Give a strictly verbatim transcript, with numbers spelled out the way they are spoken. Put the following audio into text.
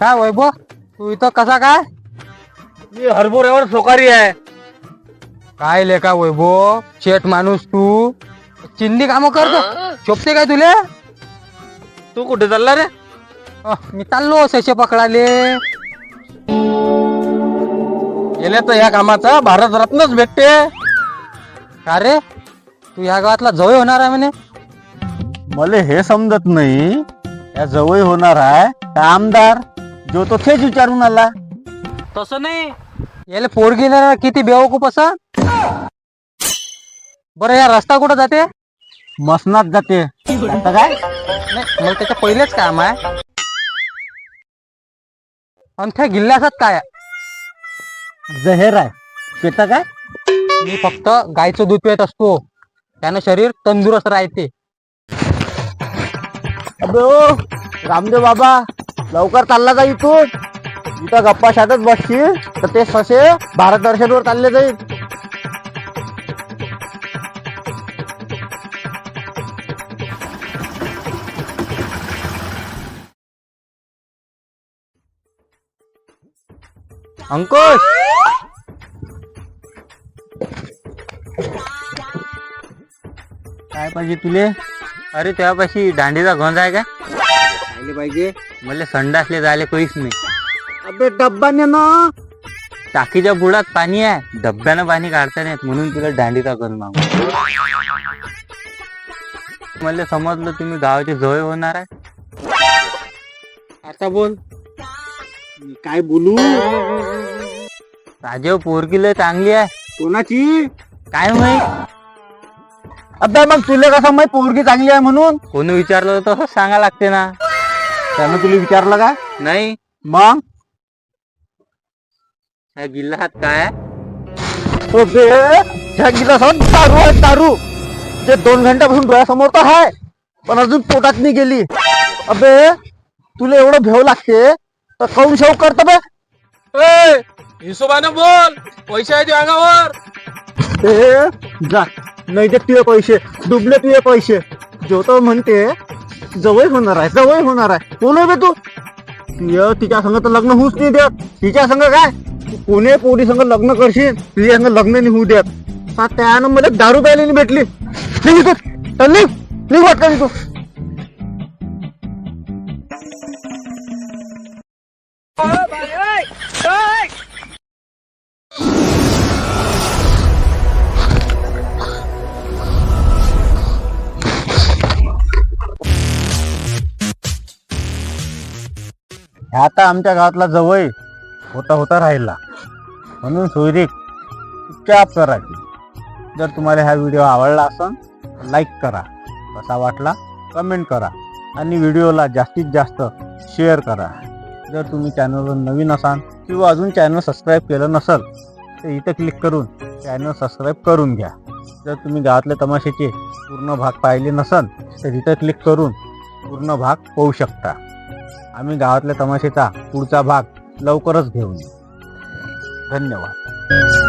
काय वैभव, तू इथं कसा काय? मी हरभऱ्यावर सोकारी आहे. काय लेका वैभव, शेठ माणूस तू चिंदी काम करतो, शोभते काय तुले? तू कुठे चालला रे? अह, मी चाललो सशे पकडाले. गेल्या तर ह्या कामाचा भारत रत्नच भेटते. का रे, तू ह्या गावातला जवळ होणार आहे म्हणे? मला हे समजत नाही, या जवळ होणार आहे का आमदार, जो तो थेच विचारून आला. तसं नाही, याला पोरगी ना किती बेवकूप असं. बरं, या रस्ता कुठं जाते? मसनात जाते. आता काय नाही, मला त्याच्या पहिलेच काम आहे. आणि त्या गिल्ल्यासात काय आहे? जहेर आहे, पेता काय? मी फक्त गायचं दूध पित असतो, त्यानं शरीर तंदुरुस्त राहते. अबे ओ रामदेव बाबा, लवकर चालला जा इथून. इथं गप्पा शातच बसशील तर ते ससे भारत दर्शनवर चालले जाईल. अंकुश, काय पाहिजे तुले? अरे त्यापाशी दांडीचा गंज आहे का? पाहिले पाहिजे. मला संडासले जायला काहीच नाही. अबे डब्बाने ना. टाकीच्या बुडात पाणी आहे, डब्यानं पाणी काढता नाहीत, म्हणून तुला दांडीचा गंज मागू. मला समजलं तुम्ही गावाची जवळ होणार आहे. आता बोल. मी काय बोलू? राजेव पोरगी लय चांगली आहे. कोणाची? काय माहित, अबे मग तुला कसं माहित पोरगी चांगली आहे म्हणून? कोणी विचारलं तर तसंच सांगा लागते ना. त्यानं तुला विचारलं का? नाही, मग ह्या गिल्ला हात काय आहे? अबे ह्या गिलासात दारू आहे, दारू. जे दोन घंट्यापासून डोळ्यासमोर तर आहे, पण अजून पोटात नाही गेली. अबे तुला एवढं भेव लागते तर काऊन शेव करत बे? हिशोबानं बोल, पैसे आहे अंगावर. ए जा, नाही ते तुझे पैसे डुबले, तुझे पैसे. जो तो म्हणते जवळ होणार आहे, जवळ होणार आहे. कोण आहे बे तू? तुझ्या तिच्या संग तर लग्न होऊच नाही देत. तिच्या संग काय, तू कोणी पोरी संग लग्न करशील, तुझ्या संग लग्न नाही होऊ देत. आता त्यानं मला दारू प्यायला नाही भेटली. निघ तू, चल निघ, निघ वाटतं तू. ह्या आता आमच्या गावातला जवळ होता होता राहिला, म्हणून सोयरीक चुपचाप करायची. जर तुम्हाला हा व्हिडिओ आवडला असेल लाईक करा, कसा वाटला कमेंट करा, आणि व्हिडिओला जास्तीत जास्त शेअर करा. जर तुम्ही चॅनलवर नवीन असाल किंवा अजून चॅनल सबस्क्राईब केलं नसेल तर इथं क्लिक करून चॅनल सबस्क्राईब करून घ्या. जर तुम्ही गावातल्या तमाशाचे पूर्ण भाग पाहिले नसेल तर इथं क्लिक करून पूर्ण भाग पाहू शकता. आम्ही गावातल्या तमाशेचा पुढचा भाग लवकरच घेऊन येऊ. धन्यवाद.